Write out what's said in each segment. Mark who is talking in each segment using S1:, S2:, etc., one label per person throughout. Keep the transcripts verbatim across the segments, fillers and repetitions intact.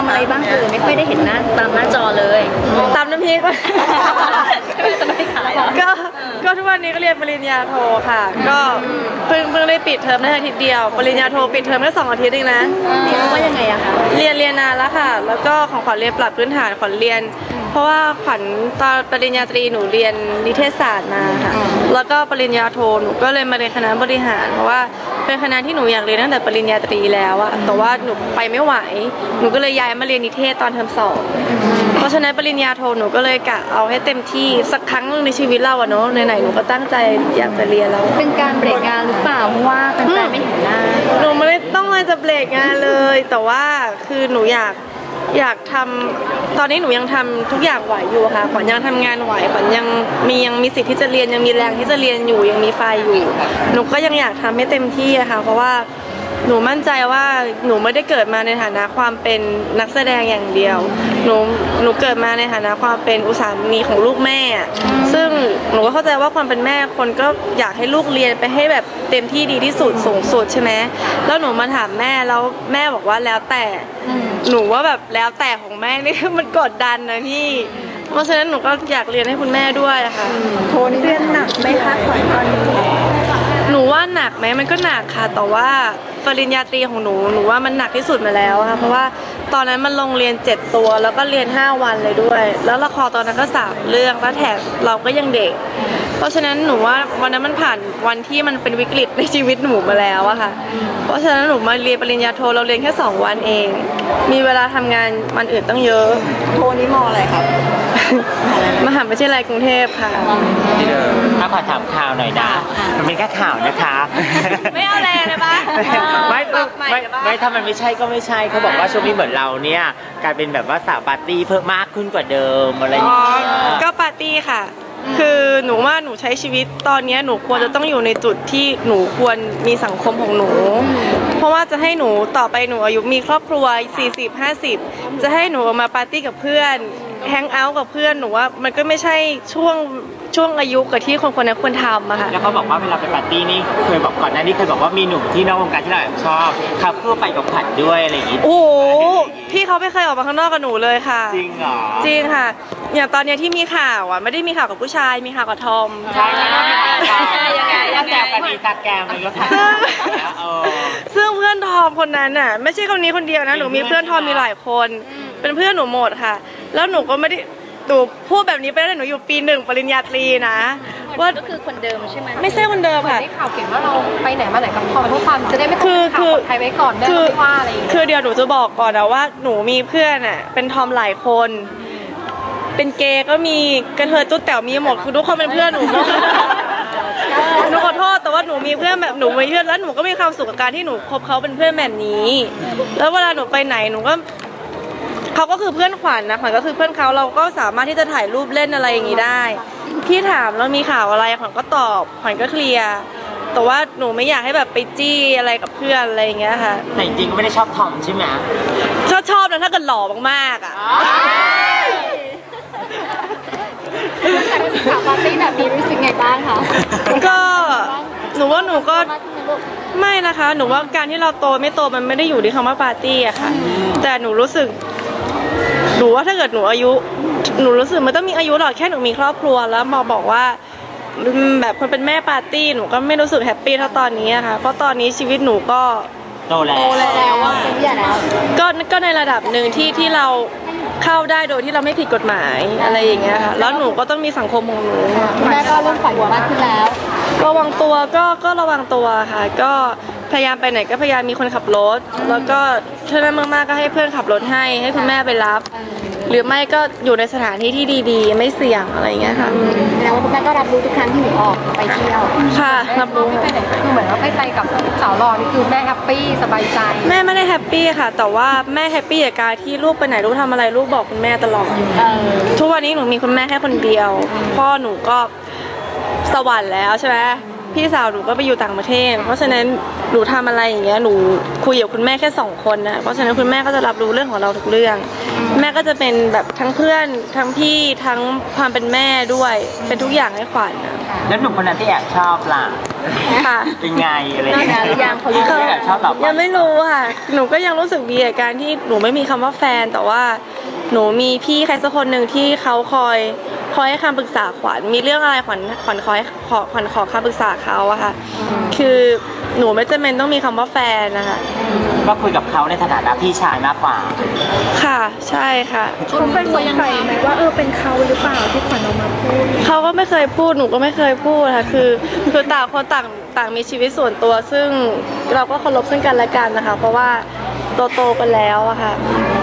S1: ำอะไรบ้างคือไม่ค่อยได้เห็นหน้าตามหน้าจอเลย
S2: ตามน้ำพริกก็ก็ทุกวันนี้ก็เรียนปริญญาโทค่ะก็เพิ่งเพิ่งได้ปิดเทอมได้อาทิตย์เดียวปริญญาโทปิดเทอมแค่สองอาทิตย์เองนะ
S1: เรียนว่ายังไงอะคะ
S2: เรียนเรียนนานแล้วค่ะแล้วก็ของขวัญเรียนปรับพื้นฐานขวัญเรียนเพราะว่าขวัญตอนปริญญาตรีหนูเรียนนิเทศศาสตร์มาค่ะแล้วก็ปริญญาโทหนูก็เลยมาเรียนคณะบริหารเพราะว่าเป็นคณะที่หนูอยากเรียนตั้งแต่ปริญญาตรีแล้วอะแต่ว่าหนูไปไม่ไหวหนูก็เลยย้ายมาเรียนนิเทศตอนเทอมสองเพราะฉะนั้นปริญญาโทหนูก็เลยกะเอาให้เต็มที่สักครั้งนึงในชีวิตเราอะเนาะไหนๆหนูก็ตั้งใจอยากจะเรียนแล้ว
S1: เป็นการเบรกงานหรือเปล่าเพราะว่าแฟนๆไม่เห็นหน้า
S2: หนูไม่ได้ต้องเลยจะเบรกงานเลยแต่ว่าคือหนูอยากอยากทำตอนนี้หนูยังทำทุกอย่างไหวอยู่ค่ะขวัญยังทำงานไหวขวัญยังมียังมีสิทธิ์ที่จะเรียนยังมีแรงที่จะเรียนอยู่ยังมีไฟอยู่หนูก็ยังอยากทำให้เต็มที่อะค่ะเพราะว่าหนูมั่นใจว่าหนูไม่ได้เกิดมาในฐานะความเป็นนักแสดงอย่างเดียวหนูหนูเกิดมาในฐานะความเป็นอุตสามีของลูกแม่ซึ่งหนูก็เข้าใจว่าความเป็นแม่คนก็อยากให้ลูกเรียนไปให้แบบเต็มที่ดีที่สุดสูงสุดใช่ไหมแล้วหนูมาถามแม่แล้วแม่บอกว่าแล้วแต่หนูว่าแบบแล้วแต่ของแม่นี่มันกดดันนะพี่เพราะฉะนั้นหนูก็อยากเรียนให้คุณแม่ด้วยค่ะ
S1: โทนี่เรียนหนักไหมคะขวัญตอนนี้
S2: หนูว่าหนักไหมมันก็หนักค่ะแต่ว่าปริญญาตรีของหนูหนูว่ามันหนักที่สุดมาแล้วค่ะเพราะว่าตอนนั้นมันลงเรียนเจ็ดตัวแล้วก็เรียนห้าวันเลยด้วยแล้วละครตอนนั้นก็สามเรื่องแล้วแถมเราก็ยังเด็กเพราะฉะนั้นหนูว่าวันนั้นมันผ่านวันที่มันเป็นวิกฤตในชีวิตหนูมาแล้วอะค่ะเพราะฉะนั้นหนูมาเรียนปริญญาโทเราเรียนแค่สองวันเองมีเวลาทำงานวันอื่นตั้งเยอะ
S1: โทนี่มออะไรครับ
S2: มหาวิทยาลัยกรุงเทพค่ะ
S3: ถ้าขอถามข่าวหน่อยนะมันเป็นแค่ข่าวนะคะ
S2: ไม่เอาแรงเลยปะ
S3: ไม่ไม่ไม่ถ้ามันไม่ใช่ก็ไม่ใช่เขาบอกว่าช่วงนี้เหมือนเราเนี่ยกลายเป็นแบบว่าสาวปาร์ตี้เพิ่มมากขึ้นกว่าเดิมอะไรอย่างเงี้ย
S2: ก็ปาร์ตี้ค่ะคือหนูว่าหนูใช้ชีวิตตอนนี้หนูควรจะต้องอยู่ในจุดที่หนูควรมีสังคมของหนูเพราะว่าจะให้หนูต่อไปหนูอายุมีครอบครัวสี่สิบ ห้าสิบจะให้หนูมาปาร์ตี้กับเพื่อนแฮงเอาท์กับเพื่อนหนูว่ามันก็ไม่ใช่ช่วงช่วงอายุกับที่คนคนนั้นควรทำอะค่ะ
S3: แล้วเขาบอกว่าเวลาไปปาร์ตี้นี่เคยบอกก่อนหน้านี้เคยบอกว่ามีหนุ่มที่นอกวงการที่เราชอบเขาเพื่อไปกับผัดด้วยอะไรอย่างงี้
S2: โอ้โหพี่เขาไม่เคยออกมาข้างนอกกับหนูเลยค่ะ
S3: จริงเหรอ
S2: จริงค่ะอย่างตอนนี้ที่มีข่าวอ่ะไม่ได้มีข่าวกับผู้ชายมีข่าวกับทอม
S3: ใช่ใช่ยังไงยังไงกันมีตัดแกมเลยก็ค่ะ
S2: ซึ่งเพื่อนทอมคนนั้นอ่ะไม่ใช่คนนี้คนเดียวนะหนูมีเพื่อนทอมมีหลายคนเป็นเพื่อนหนูหมดค่ะแล้วหนูก็ไม่ได้ตูพูดแบบนี้ไปแล้วหนูอยู่ปีหนึ่งปริญญาตรีนะ
S1: ว่าก็คือคนเดิมใช่ไหม
S2: ไม่ใช่คนเดิมค่ะ
S1: ได้ข่าวเก่งว่าเราไปไหนมาไหนกับทอมทุกความจะได้ไม่ต้องข่าวใครไว้ก่อนได้ไม่ว่าอะไรอย่างเงี้ย
S2: คือเดี๋ยวหนูจะบอกก่อนนะว่าหนูมีเพื่อนอ่ะเป็นทอมหลายคนเป็นเกย์ก็มีกระเทยตุ๊ดแต๋วมีหมดคือทุกคนเป็นเพื่อนหนูหมดหนูขอโทษแต่ว่าหนูมีเพื่อนแบบหนูมีเพื่อนแล้วหนูก็มีความสุขกับการที่หนูคบเขาเป็นเพื่อนแบบนี้แล้วเวลาหนูไปไหนหนูก็เขาก็คือเพื่อนขวัญนะขวัญก็คือเพื่อนเขาเราก็สามารถที่จะถ่ายรูปเล่นอะไรอย่างนี้ได้พี่ถามแล้วมีข่าวอะไรขวัญก็ตอบขวัญก็เคลียร์แต่ว่าหนูไม่อยากให้แบบไปจี้อะไรกับเพื่อนอะไรอย่างเงี้ยค่ะ
S3: แต่จริงๆก็ไม่ได้ชอบทอมใช่ไหม
S2: ชอบชอบนะถ้าเกิดหล่อมากๆอ่ะ
S1: สาวปาร์ตี้แบบนี้รู้สึกไงบ้างคะ
S2: ก็หนูว่าหนูก็ไม่นะคะหนูว่าการที่เราโตไม่โตมันไม่ได้อยู่ที่คำว่าปาร์ตี้อะค่ะแต่หนูรู้สึกหนูว่าถ้าเกิดหนูอายุหนูรู้สึกมันต้องมีอายุหรอกแค่หนูมีครอบครัวแล้วมาบอกว่าแบบคนเป็นแม่ปาร์ตี้หนูก็ไม่รู้สึกแฮปปี้เท่าตอนนี้ค่ะเพราะตอนนี้ชีวิตหนูก็
S3: โตแล้ว
S1: โตแล้วว่าเป็นผู้ใหญ่แล้ว
S2: ก็ก็ในระดับหนึ่งที่ที่เราเข้าได้โดยที่เราไม่ผิดกฎหมายอะไรอย่างเงี้ยค่ะแล้วหนูก็ต้องมีสังคมของหนู
S1: แม่ก็เริ่มปล่อยหัวมากขึ้นแล้ว
S2: ระวังตัวก็ก็ระวังตัวค่ะก็พยายามไปไหนก็พยายามมีคนขับรถแล้วก็ถ้าได้มากๆก็ให้เพื่อนขับรถให้ให้คุณแม่ไปรับหรือไม่ก็อยู่ในสถานที่ที่ดีๆไม่เสี่ยงอะไรอย่างเงี้ยค่ะ
S1: แล้วคุณแม่ก็รับรู้ทุกครั้งที่หนูออกไปเที่ยว
S2: ค่ะรับรู้
S1: ไปไหนคือเหมือนว่าไปไปกับสาวหล่อนี่คือแม่แฮปปี้สบายใจ
S2: แม่ไม่ได้แฮปปี้ค่ะแต่ว่าแม่แฮปปี้กับการที่ลูกไปไหนลูกทำอะไรลูกบอกคุณแม่ตลอดทุกวันนี้หนูมีคุณแม่แค่คนเดียวพ่อหนูก็สวรรค์แล้วใช่ไหมพี่สาวหนูก็ไปอยู่ต่างประเทศเพราะฉะนั้นหนูทำอะไรอย่างเงี้ยหนูคุยกับคุณแม่แค่สองคนนะเพราะฉะนั้นคุณแม่ก็จะรับรู้เรื่องของเราทุกเรื่องแม่ก็จะเป็นแบบทั้งเพื่อนทั้งพี่ทั้งความเป็นแม่ด้วยเป็นทุกอย่างให้ขวัญนะ
S3: แล้วหนุ่มคนนั้นที่แอบชอบล่ะ
S2: ค่ะ
S3: เป็นไงอะไรอย่าง
S1: นาน
S3: เงี้ย
S1: หรือยังเขารู้
S3: แอบชอบเราปะ
S2: ยังไม่รู้ค่ะ หนูก็ยังรู้สึกดีกับการที่หนูไม่มีคำว่าแฟน แต่ว่าหนูมีพี่ใครสักคนหนึ่งที่เขาคอยคอยให้คำปรึกษาขวัญ มีเรื่องอะไรขวัญขวัญคอยขอขวัญขอคำปรึกษาเขาอะค่ะ คือหนูไม่จำเป็นต้องมีคำว่าแฟนนะคะ
S3: ก็คุยกับเขาในฐานะพี่ชายมากกว่า
S2: ค่ะ ใช่ค่ะ
S4: เขาเคยสงสัยไหมว่าเออเป็นเขาหรือเปล่าที่ขวัญออกมาพูด
S2: เขาก็ไม่เคยพูด หนูก็ไม่เคยพูดค่ะคือคือต่างคนต่างต่างมีชีวิตส่วนตัว ซึ่งเราก็เคารพซึ่งกันและกันนะคะ เพราะว่าโตโตๆกันแล้วอะค่ะ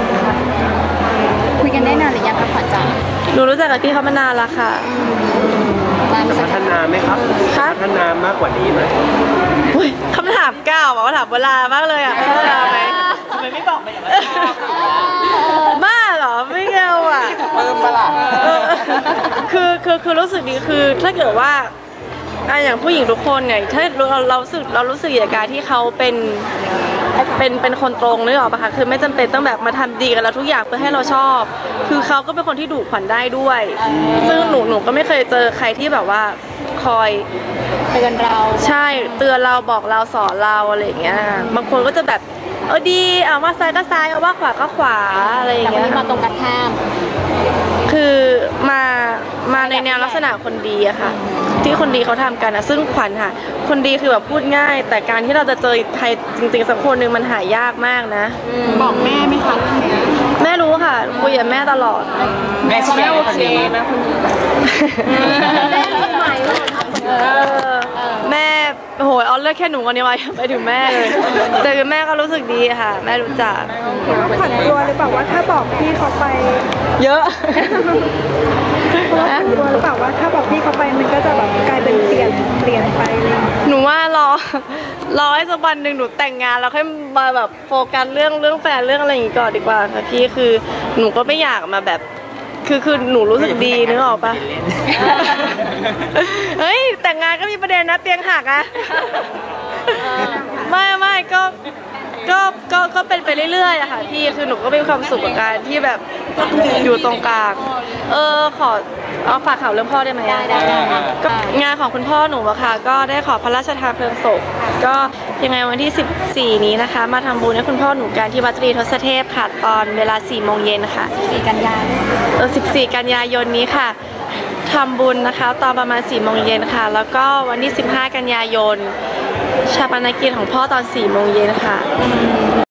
S1: คุยกันได้นานหรือยังคะขวัญจ๋า
S2: หนูรู้จักกับพี่เขามานานแล้วค่ะ
S1: นานสั
S5: พั
S1: ก
S5: ฒนาไหมครับ
S2: ครับ
S5: พัฒนามากกว่านี้ไหม
S2: อุ๊ยคำถามเก้าบอกว่าถามเวลามากเลยอะพัฒนาไหม
S3: ทำไมไม่บอกไปอย่างนั้นชอบหรือว่า
S2: บ้าเหรอไม่เกี่ยวอะ
S3: เพิ่มปะล่ะ
S2: เออคือคือคือรู้สึกดีคือถ้าเกิดว่าอ่ะอย่างผู้หญิงทุกคนเนี่ยถ้าเราเรารู้สึกเรารู้สึกอย่างการที่เขาเป็นเป็นเป็นคนตรงนึกออกปะคะคือไม่จำเป็นต้องแบบมาทำดีกับเราทุกอย่างเพื่อให้เราชอบ คือเขาก็เป็นคนที่ดุขวัญได้ด้วย ซึ่งหนูหนูก็ไม่เคยเจอใครที่แบบว่าคอย
S1: เตือนเรา
S2: ใช่เตือนเราบอกเราสอนเราอะไรอย่างเงี้ยบางคนก็จะแบบเออดีเอาว่าซ้ายก็ซ้ายเอาว่าขวาก็ขวาอะไรอย่าง
S1: แต่คน
S2: เงี้ย
S1: นี้มาตรงกันข้าม
S2: คือมามาในแนวลักษณะคนดีอะค่ะ ที่คนดีเขาทำกันอะซึ่งขวัญค่ะ คนดีคือแบบพูดง่าย แต่การที่เราจะเจอใครจริงๆสักคนหนึ่งมันหายากมากนะ
S1: บอกแม่ไหมคะ
S2: แม่รู้ค่ะคุยกับแม่ตลอด
S3: แม่เชียร์คนนี้
S1: แม่รู้ไหมว่า
S2: เออแม่โหยเอาเลือกแค่หนูคนนี้ไว้ไปถึงแม่เลย แต่คือแม่ก็รู้สึกดีค่ะ แม่รู้จัก
S4: ขวัญกลัวหรือเปล่าว่าถ้าบอกพี่เขาไป
S2: เยอะ
S4: กลัวหรือเปล่าว่าถ้าบอกพี่เขาไปมันก็จะแบบกลายเป็นเปลี่ยนเปลี่ยนไปอะไรอย่างเลย
S2: หนูว่ารอรอให้สักวันหนึ่งหนูแต่งงานแล้วค่อยมาแบบโฟกัสเรื่องเรื่องแฟนเรื่องอะไรอย่างงี้ก่อนดีกว่าค่ะพี่คือหนูก็ไม่อยากมาแบบ คือคือหนูรู้สึกดีนึกออกปะเฮ้ยแต่งงานก็มีประเด็นนะเตียงหักอะไม่ไม่ก็ก็ก็ก็เป็นไปเรื่อยๆอะค่ะพี่คือหนูก็มีความสุขกับการที่แบบอยู่ตรงกลางเออขอเอาฝากข่าวเรื่องพ่อได้ไหม
S1: ได้ได้ได้
S2: ก็งานของคุณพ่อหนูอะค่ะก็ได้ขอพระราชทานเพลิงศพก็ยังไงวันที่สิบสี่นี้นะคะ มาทำบุญให้คุณพ่อหนูกันที่วัดตรีทศเทพค่ะตอนเวลาสี่โมงเย็นค่ะ
S1: สี่กันยา
S2: เออสิบสี่กันยายนนี้ค่ะทำบุญนะคะตอนประมาณสี่โมงเย็นค่ะ แล้วก็วันที่สิบห้ากันยายนชาปนกิจของพ่อตอนสี่โมงเย็นค่ะ